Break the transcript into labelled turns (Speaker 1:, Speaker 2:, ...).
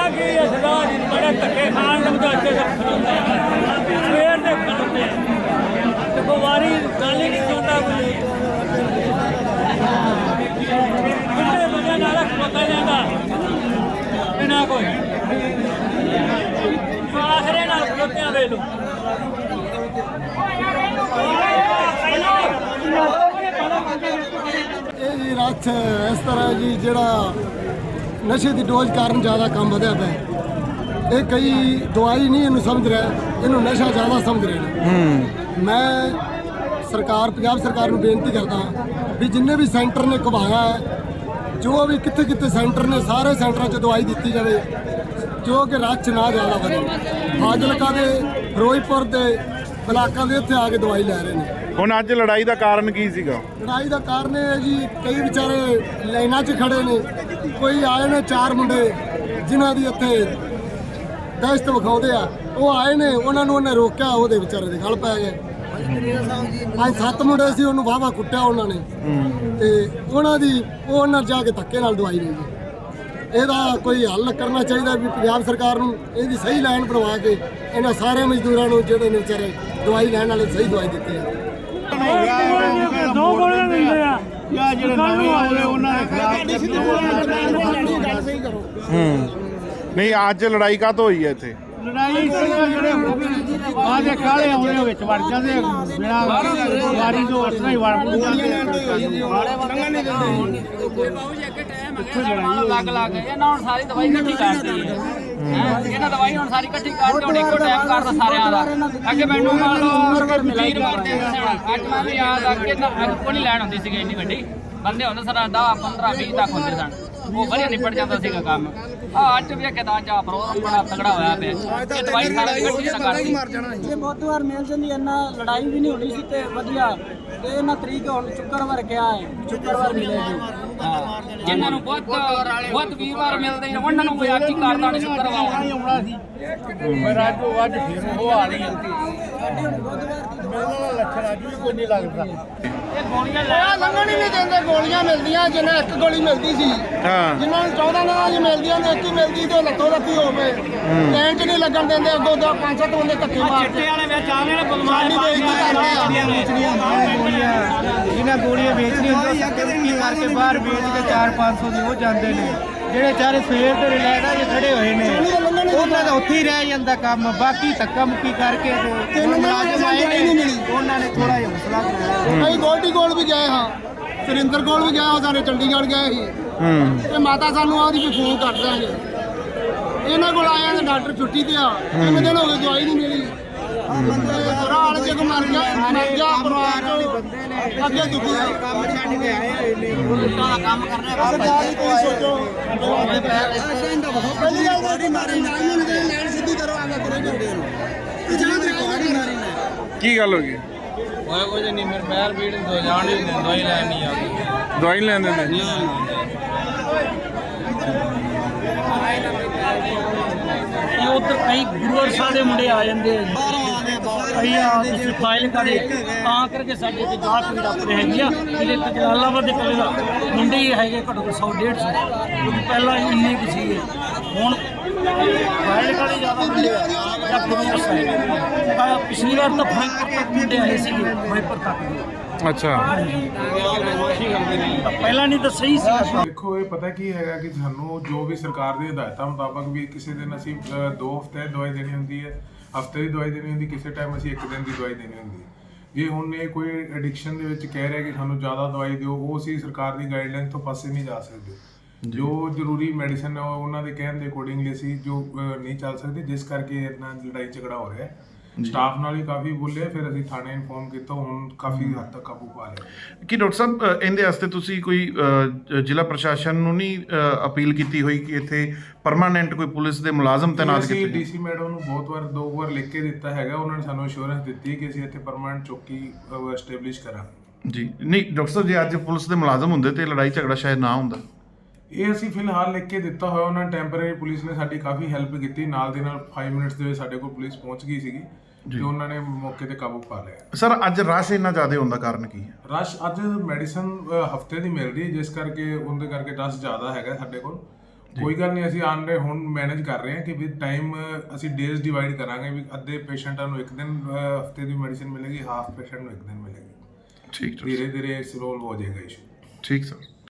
Speaker 1: कि सरदार जी बड़े धक्के खान समझौते सवेर से खड़ोते देखो वारी गल ही नहीं सुनता कोई कितने बजे नाल खलोता जाता बिना कोई आखरे नाल खलोते वे लो
Speaker 2: जी रथ इस तरह जी जड़ा नशे की डोज कारण ज़्यादा काम बढ़िया पे ये कई दवाई नहीं इनू समझ रहा इनू नशा ज़्यादा समझ रहे हैं। मैं सरकार पंजाब सरकार को बेनती करता भी जिन्ने भी सेंटर ने घुमाया है जो भी कितने कितने सेंटर ने सारे सेंटर च दवाई दी जाए जो कि रथ ना ज़्यादा बने फाजिलका के फिरोजपुर के ब्लाकों के इतने आके दवाई लै रहे हैं।
Speaker 3: ਹੁਣ ਅੱਜ ਲੜਾਈ ਦਾ ਕਾਰਨ ਕੀ ਸੀਗਾ?
Speaker 2: ਲੜਾਈ ਦਾ ਕਾਰਨ ਇਹ ਹੈ ਜੀ ਕਈ ਵਿਚਾਰੇ ਲਾਈਨਾਂ 'ਚ ਖੜੇ ਨੇ ਕੋਈ ਆਏ ਨੇ 4 ਮੁੰਡੇ ਜਿਨ੍ਹਾਂ ਦੀ ਇੱਥੇ ਦਹਿਸ਼ਤ ਵਿਖਾਉਂਦੇ ਆ ਉਹ ਆਏ ਨੇ ਉਹਨਾਂ ਨੂੰ ਉਹਨੇ ਰੋਕਿਆ ਉਹਦੇ ਵਿਚਾਰੇ ਦੇ ਗਲ ਪੈ ਗਏ। ਅੱਜ 7 ਮੁੰਡੇ ਸੀ ਉਹਨੂੰ ਵਾਹਵਾ ਕੁੱਟਿਆ ਉਹਨਾਂ ਨੇ ਤੇ ਉਹਨਾਂ ਜਾ ਕੇ ਧੱਕੇ ਨਾਲ ਦਵਾਈ ਲਈ ਜੀ। ਇਹਦਾ ਕੋਈ ਹੱਲ ਕਰਨਾ ਚਾਹੀਦਾ ਵੀ ਪੰਜਾਬ ਸਰਕਾਰ ਨੂੰ ਇਹਦੀ ਸਹੀ ਲਾਈਨ ਬਣਵਾ ਕੇ ਇਹਨਾਂ ਸਾਰੇ ਮਜ਼ਦੂਰਾਂ ਨੂੰ ਜਿਹੜੇ ਨੇ ਵਿਚਾਰੇ ਦਵਾਈ ਲੈਣ ਵਾਲੇ ਸਹੀ ਦਵਾਈ ਦਿੱਤੀ ਹੈ।
Speaker 1: दो गोलियां दिंदे आ
Speaker 4: या ਜਿਹੜੇ ਨਵੇਂ ਆਏ ਉਹਨਾਂ ਦੇ ਖਿਲਾਫ
Speaker 3: ਨਹੀਂ ਅੱਜ ਲੜਾਈ ਕਾਹਤੋਂ ਹੋਈ ਹੈ ਇੱਥੇ?
Speaker 4: ਲੜਾਈ ਜਿਹੜੇ ਆਦੇ ਕਾਲੇ ਆਉਣੇ ਵਿੱਚ ਵੜ ਜਾਂਦੇ ਬਿਨਾ ਵਾਰੀ ਤੋਂ ਉਸਨੇ ਹੀ ਵੜ ਜਾਂਦੇ
Speaker 5: ਲੱਗ ਲੱਗ ਇਹਨਾਂ ਹੁਣ ਸਾਰੀ ਦਵਾਈ ਇਕੱਠੀ ਕਰਦੀ ਹੈ ਇਹਨਾਂ ਦਵਾਈ ਹੁਣ ਸਾਰੀ ਇਕੱਠੀ ਕਰਕੇ ਹੁਣ ਇੱਕੋ ਟਾਈਮ ਕਰਦਾ ਸਾਰਿਆਂ ਦਾ ਅੱਗੇ ਮੈਨੂੰ ਮੰਨ ਲਓ ਮੀਰ ਮਾਰਦੇ ਸਨ ਅੱਜ ਮੈਂ ਵੀ ਯਾਦ ਆ ਕਿ ਅੱਗ ਕੋਈ ਲੈਣ ਹੁੰਦੀ ਸੀਗੀ ਇੰਨੀ ਵੱਡੀ ਬੰਦੇ ਹੁੰਦੇ ਸਨ 10 15 20 ਤੱਕ ਹੁੰਦੇ ਸਨ ਉਹ ਵਧੀਆ ਨਿਪਟ ਜਾਂਦਾ ਸੀਗਾ ਕੰਮ ਅੱਜ ਵੀ ਕਿਦਾਂ ਜਾ ਪ੍ਰੋਗਰਾਮ ਬੜਾ ਤਗੜਾ ਹੋਇਆ ਪਿਆ ਇਹ ਦਵਾਈ ਸਾਰੀ ਇਕੱਠੀ ਤਾਂ ਕਰਦੀ
Speaker 6: ਇਹ ਬਹੁਤ ਵਾਰ ਮਿਲ ਜਾਂਦੀ ਇੰਨਾ ਲੜਾਈ ਵੀ ਨਹੀਂ ਹੋਣੀ ਸੀ ਤੇ ਵਧੀਆ ਤੇ ਇਹਨਾਂ ਤਰੀਕ ਹੁਣ ਸ਼ੁੱਕਰਵਾਰ ਕਿਹਾ ਹੈ ਸ਼ੁੱਕਰਵਾਰ ਮਿਲੇਗੀ
Speaker 5: ਜਿਨ੍ਹਾਂ ਨੂੰ ਬਹੁਤ ਵੀਰਵਾਰ ਮਿਲਦੇ ਨੇ ਉਹਨਾਂ ਨੂੰ ਕੋਈ ਅੱਜ ਹੀ ਕਰਦਾ ਨਹੀਂ ਸ਼ੁੱਕਰਵਾਰ
Speaker 4: ਆਉਣਾ ਸੀ ਪਰ ਅੱਜ ਫਿਰ ਉਹ ਆ ਰਹੀ ਹੈ ਲੱਛਣ ਅੱਜ ਵੀ ਕੋਈ ਨਹੀਂ ਲੱਗਦਾ
Speaker 5: ਇਹ ਗੋਲੀਆਂ ਲੈ
Speaker 2: ਲੰਘਣ ਹੀ ਨਹੀਂ ਦਿੰਦੇ ਗੋਲੀਆਂ ਮਿਲਦੀਆਂ ਜਿੰਨਾ ਇੱਕ ਗੋਲੀ ਮਿਲਦੀ ਸੀ
Speaker 3: ਹਾਂ
Speaker 2: ਜਿਨ੍ਹਾਂ ਨੂੰ 14 ਨਾਲ ਜੀ ਮਿਲਦੀਆਂ ਨੇ ਇੱਕ ਹੀ ਮਿਲਦੀ ਤੇ ਲੱਤੋਂ ਲੱਤੀ ਹੋਵੇ ਲਾਈਨ 'ਚ ਨਹੀਂ ਲੱਗਣ ਦਿੰਦੇ ਅੱਗੋਂ 5-7 ਬੰਦੇ ਧੱਕੇ ਮਾਰਦੇ
Speaker 5: ਚਿੱਟੇ ਵਾਲੇ ਵਿੱਚ ਆਵੇਂ ਨੇ ਬਲਮਾਨੀ
Speaker 2: ਬੇਇੱਜ਼ਤੀ ਕਰਦੇ ਆ
Speaker 4: ਜਿਹਨਾਂ ਗੋਲੀਆਂ ਵੇਚਣੀਆਂ ਹੁੰਦੀਆਂ ਕੀ ਕਰਕੇ ਬਾਹਰ ਵੇਚ ਕੇ 4-500 ਦੀ ਉਹ ਜਾਂਦੇ ਨੇ ਜਿਹੜੇ ਚਾਰੇ ਸਵੇਰ ਦੇ ਰਿਲੈਕਸ ਆ ਖੜੇ ਹੋਏ ਨੇ ਉਹਨਾਂ ਦਾ ਉੱਥੇ ਹੀ ਰਹਿ ਜਾਂਦਾ ਕੰਮ ਬਾਕੀ ਧੱਕਾ ਮੁੱਕੀ ਕਰਕੇ ਤੇ ਮੁਲਾਜ਼ਮ ਆਏ ਨੇ ਉਹਨਾਂ ਨੇ ਥੋੜਾ ਜਿਹਾ ਹੌਸਲਾ ਬਣਾਇਆ
Speaker 2: ਅਸੀਂ ਗੋਲਡੀ ਕੋਲ ਵੀ ਗਏ ਹਾਂ ਸੁਰਿੰਦਰ ਕੋਲ ਵੀ ਗਏ ਹਾਂ ਸਾਰੇ ਚੰਡੀਗੜ੍ਹ ਗਏ ਸੀ ਤੇ ਮਾਤਾ ਸਾਨੂੰ ਆਦੀ ਵੀ ਫੋਨ ਕਰ ਦਾਂਗੇ ਇਹਨਾਂ ਕੋਲ ਆਇਆ ਤੇ ਡਾਕਟਰ ਛੁੱਟੀ ਤੇ ਆ 3 ਦਿਨ ਹੋ ਗਏ ਦਵਾਈ ਨਹੀਂ ਮਿਲੀ ਬੁਰਾ ਹਾਲ ਜੇ ਕੋ ਮਰ ਗਿਆ ਪਰਿਵਾਰ ਵਾਲੇ ਬੰਦੇ ਨੇ ਅੱਗੇ ਦੁਖੀ
Speaker 4: ਕੰਮ ਛੱਡ ਕੇ ਆਏ ਹੋਏ ਨੇ
Speaker 5: ਉਲਟਾ ਦਾ ਕੰਮ ਕਰਨਾ
Speaker 2: ਸਰਕਾਰ ਹੀ ਕੋਈ ਸੋਚੋ ਪਹਿਲੀ ਗੱਲ ਬੋਡੀ ਮਾਰੀ ਨਾ ਇਹਨੂੰ ਲੈਣ ਸਿੱਧੀ ਕਰੋ ਆਗਾ ਕਰੋ ਜਾਂਦੇ ਨੂੰ ਪਿਛਲੇ ਤੇ ਬੋਡੀ ਮਾਰੀ ਨਾ
Speaker 3: ਕੀ ਗੱਲ ਹੋ ਗਈ?
Speaker 5: ਹੋਇਆ ਕੁਝ ਨਹੀਂ ਮੇਰੇ ਪੈਰ ਪੀੜ ਤੋਂ ਜਾਣ ਹੀ ਨਹੀਂ ਦਵਾਈ ਲੈਣ ਨਹੀਂ ਆਉਂਦੀ
Speaker 3: ਦਵਾਈ ਨੀ ਲੈਂਦੇ ਨੇ?
Speaker 6: ਇਹ ਉਧਰ ਕਈ ਗੁਰੂਵਰ ਸਾਹਿਬ ਦੇ ਮੁੰਡੇ ਆ ਜਾਂਦੇ ਕਈ ਆ ਤੁਸੀਂ ਫਾਈਲ ਕਰੇ ਤਾਂ ਕਰਕੇ ਸਾਡੇ ਤੇ ਜਾਤ ਵੀ ਡਾਕਟਰ ਹੈਗੀ ਆ ਇਹਦੇ ਤੇ ਜਲਾਲਾਬਾਦ ਦੇ ਕੋਲੇ ਦਾ ਮੁੰਡੇ ਹੀ ਹੈਗੇ ਘੱਟੋ ਘੱਟ 100-150 ਕਿਉਂਕਿ ਪਹਿਲਾਂ ਇੰਨੇ ਕੁ ਸੀਗੇ ਹੁਣ ਫਾਈਲ ਕਰੇ ਜ਼ਿਆਦਾ ਮੁੰਡੇ ਆ ਜਾਂ ਗੁਰੂਵਰ ਸਾਹਿਬ ਪਿਛਲੀ ਵਾਰ ਤਾਂ ਫਾਈਲ ਤੱਕ ਮੁੰਡੇ ਆਏ ਸੀਗੇ ਫਾਈਪਰ ਤੱਕ ਦੇ
Speaker 3: ਅੱਛਾ
Speaker 6: ਪਹਿਲਾਂ ਨਹੀਂ ਤਾਂ ਸਹੀ ਸੀ।
Speaker 7: ਦੇਖੋ ਇਹ ਪਤਾ ਕੀ ਹੈਗਾ ਕਿ ਸਾਨੂੰ ਜੋ ਵੀ ਸਰਕਾਰ ਦੀ ਹਦਾਇਤਾਂ ਮੁਤਾਬਕ ਵੀ ਕਿਸੇ ਦਿਨ ਅਸੀਂ 2 ਹਫ਼ਤੇ ਦਵਾਈ ਦੇਣੀ ਹੁੰਦੀ ਹੈ ਹਫ਼ਤੇ ਦੀ ਦਵਾਈ ਦੇਣੀ ਹੁੰਦੀ ਕਿਸੇ ਟਾਈਮ ਅਸੀਂ 1 ਦਿਨ ਦੀ ਦਵਾਈ ਦੇਣੀ ਹੁੰਦੀ ਜੇ ਹੁਣ ਇਹ ਕੋਈ ਐਡਿਕਸ਼ਨ ਦੇ ਵਿੱਚ ਕਹਿ ਰਿਹਾ ਕਿ ਸਾਨੂੰ ਜ਼ਿਆਦਾ ਦਵਾਈ ਦਿਓ ਉਹ ਅਸੀਂ ਸਰਕਾਰ ਦੀ ਗਾਈਡਲਾਈਨ ਤੋਂ ਪਾਸੇ ਨਹੀਂ ਜਾ ਸਕਦੇ ਜੋ ਜ਼ਰੂਰੀ ਮੈਡੀਸਨ ਹੈ ਉਹਨਾਂ ਦੇ ਕਹਿਣ ਦੇ ਅਕੋਰਡਿੰਗਲੀ ਅਸੀਂ ਜੋ ਨਹੀਂ ਚੱਲ ਸਕਦੇ ਜਿਸ ਕਰਕੇ ਇਹਨਾਂ ਲੜਾਈ ਝਗੜਾ ਹੋ ਰਿਹਾ ਸਟਾਫ ਨਾਲ ਵੀ ਕਾਫੀ ਬੋਲੇ ਫਿਰ ਅਸੀਂ ਥਾਣੇ ਇਨਫੋਰਮ ਕੀਤਾ ਹੁਣ ਕਾਫੀ ਹੱਦ ਤੱਕ ਕਾਬੂ ਪਾ ਲਿਆ।
Speaker 3: ਕੀ ਡਾਕਟਰ ਸਾਹਿਬ ਇਹਦੇ ਵਾਸਤੇ ਤੁਸੀਂ ਕੋਈ ਜ਼ਿਲ੍ਹਾ ਪ੍ਰਸ਼ਾਸਨ ਨੂੰ ਨਹੀਂ ਅਪੀਲ ਕੀਤੀ ਹੋਈ ਕਿ ਇੱਥੇ ਪਰਮਾਨੈਂਟ ਕੋਈ ਪੁਲਿਸ ਦੇ ਮੁਲਾਜ਼ਮ ਤੈਨਾਤ ਕੀਤੇ?
Speaker 7: ਅਸੀਂ ਡੀਸੀ ਮੈਡਮ ਨੂੰ ਬਹੁਤ 2 ਵਾਰ ਲਿਖ ਕੇ ਦਿੱਤਾ ਹੈਗਾ ਉਹਨਾਂ ਨੇ ਸਾਨੂੰ ਅਸ਼ੋਰੈਂਸ ਦਿੱਤੀ ਕਿ ਅਸੀਂ ਇੱਥੇ ਪਰਮਾਨੈਂਟ ਚੌਕੀ ਐਸਟੈਬਲਿਸ਼ ਕਰਾਂਗੇ ਜੀ।
Speaker 3: ਨਹੀਂ ਡਾਕਟਰ ਸਾਹਿਬ ਜੇ ਅੱਜ ਪੁਲਿਸ ਦੇ ਮੁਲਾਜ਼ਮ ਹੁੰਦੇ ਤੇ ਲੜਾਈ ਝਗੜਾ ਸ਼ਾਇਦ ਨਾ ਹੁੰਦਾ।
Speaker 7: ਇਹ ਅਸੀਂ ਫਿਲਹਾਲ ਲਿਖ ਕੇ ਦਿੱਤਾ ਹੋਇਆ ਉਹਨਾਂ ਟੈਂਪਰੇਰੀ ਪੁਲਿਸ ਨੇ ਸਾਡੀ ਕਾਫੀ ਹੈਲਪ ਕੀਤੀ ਨਾਲ ਦੇ ਨਾਲ 5 ਮਿੰਟਸ ਦੇ ਵਿੱਚ ਸਾਡੇ ਕੋਲ ਪੁਲਿਸ ਪਹੁੰਚ ਗਈ ਸੀਗੀ ਤੇ ਉਹਨਾਂ ਨੇ ਮੌਕੇ ਤੇ ਕਾਬੂ ਪਾ ਲਿਆ।
Speaker 3: ਸਰ ਅੱਜ ਰਸ਼ ਇੰਨਾ ਜ਼ਿਆਦਾ ਹੋਣ ਦਾ ਕਾਰਨ ਕੀ ਹੈ?
Speaker 7: ਰਸ਼ ਅੱਜ ਮੈਡੀਸਨ ਹਫਤੇ ਦੀ ਮਿਲ ਰਹੀ ਜਿਸ ਕਰਕੇ ਉਹਦੇ ਕਰਕੇ ਰਸ਼ ਜ਼ਿਆਦਾ ਹੈਗਾ ਸਾਡੇ ਕੋਲ ਕੋਈ ਗੱਲ ਨਹੀਂ, ਅਸੀਂ ਆਨ ਰਹੇ ਹੁਣ ਮੈਨੇਜ ਕਰ ਰਹੇ ਹਾਂ ਕਿ ਵਿਦ ਟਾਈਮ ਅਸੀਂ ਡੇਜ਼ ਡਿਵਾਈਡ ਕਰਾਂਗੇ ਵੀ ਅੱਧੇ ਪੇਸ਼ੈਂਟਾਂ ਨੂੰ ਇੱਕ ਦਿਨ ਹਫਤੇ ਦੀ ਮੈਡੀਸਿਨ ਮਿਲੇਗੀ, ਹਾਫ ਪੇਸ਼ੈਂਟ ਨੂੰ ਇੱਕ ਦਿਨ ਮਿਲੇਗੀ।
Speaker 3: ਠੀਕ
Speaker 7: ਧੀਰੇ ਧੀਰੇ ਸੋਲਵ ਹੋ ਜਾਏਗਾ ਇਸ਼ੂ।
Speaker 3: ਠੀਕ ਸਰ।